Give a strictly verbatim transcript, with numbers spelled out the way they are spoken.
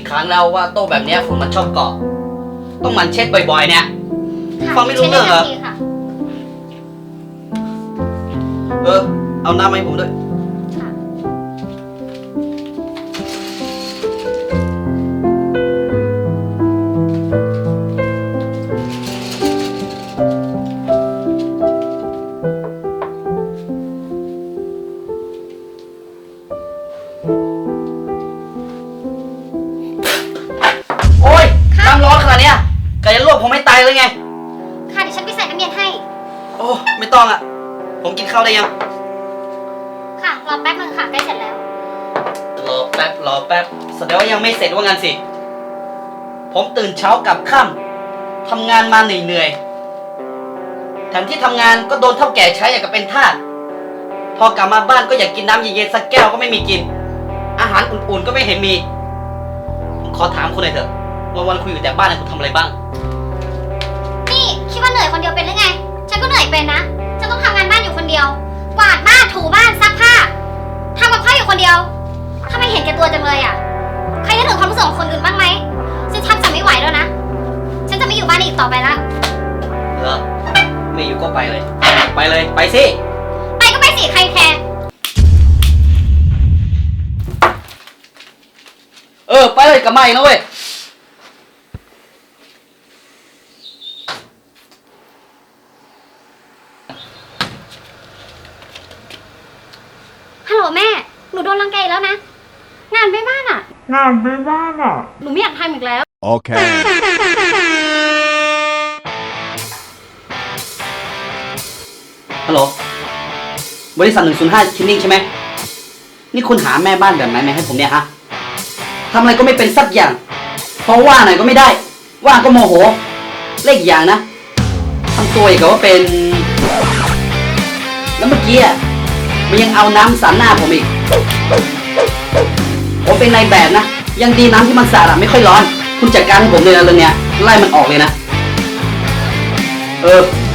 ครั้งแล้วว่าโต๊ะแบบเนี้ยฝุ่นมันชอบเกาะต้องหมันเช็ดบ่อยๆเนี่ยฟังไม่รู้เรื่องเหรอเออเอาน้ำมาให้ผมด้วยโอ้ยน้ำร้อนขนาดเนี้ยไก่จะลวกผมไม่ตายเลยไงค่ะเดี๋ยวฉันไปใส่น้ำเย็นให้โอ้ไม่ต้องอ่ะผมกินข้าวได้ยังค่ะรอแป๊บนึงค่ะใกล้เสร็จแล้วรอแป๊บรอแป๊บแสดงว่ายังไม่เสร็จว่างั้นสิผมตื่นเช้ากลับค่ำทำงานมาเหนื่อยๆแถมที่ทำงานก็โดนเฒ่าแก่ใช้อย่างกับเป็นทาสพอกลับมาบ้านก็อยากกินน้ำเย็นๆสักแก้วก็ไม่มีกินอาหารอุ่นๆก็ไม่เห็นมีผมขอถามคุณหน่อยเถอะวันๆคุณอยู่แต่บ้านคุณทำอะไรบ้างนี่คิดว่าเหนื่อยคนเดียวเป็นหรือไงฉันก็เหนื่อยเป็นนะฉันต้องทำงานบ้านอยู่คนเดียวกวาดบ้านถูบ้านซักผ้าทำกับข้าวอยู่คนเดียวทำไมเห็นแก่ตัวจังเลยอ่ะใครจะถึงความรู้สึกของคนอื่นบ้างไหมฉันทำจะไม่ไหวแล้วนะฉันจะไม่อยู่บ้านอีกต่อไปละเหรอไม่อยู่ก็ไปเลยไปเลยไปสิไปก็ไปสิใครแคร์เออไปเลยกับไม่นะเว้ยฮัลโหลแม่หนูโดนรังแกอีกแล้วนะงานไม่บ้านอ่ะงานไม่บ้านอ่ะหนูไม่อยากทำอีกแล้วโอเคฮัลโหลบริษัทหนึ่งศูนย์ห้าชินนิ่งใช่ไหมนี่คุณหาแม่บ้านแบบไหนมาให้ผมเนี่ยฮะทำอะไรก็ไม่เป็นสักอย่างเพราะว่าหน่อยก็ไม่ได้ว่าก็โมโหเล่นอย่างนะทำตัวอย่างกับว่าเป็นแล้วเมื่อกี้อ่ะมันยังเอาน้ำสาดหน้าผมอีกผมเป็นนายแบบนะยังดีน้ำที่มันสาดอ่ะไม่ค่อยร้อนคุณจัดการให้ผมเลยนะเรื่องเนี้ยไล่มันออกเลยนะเออ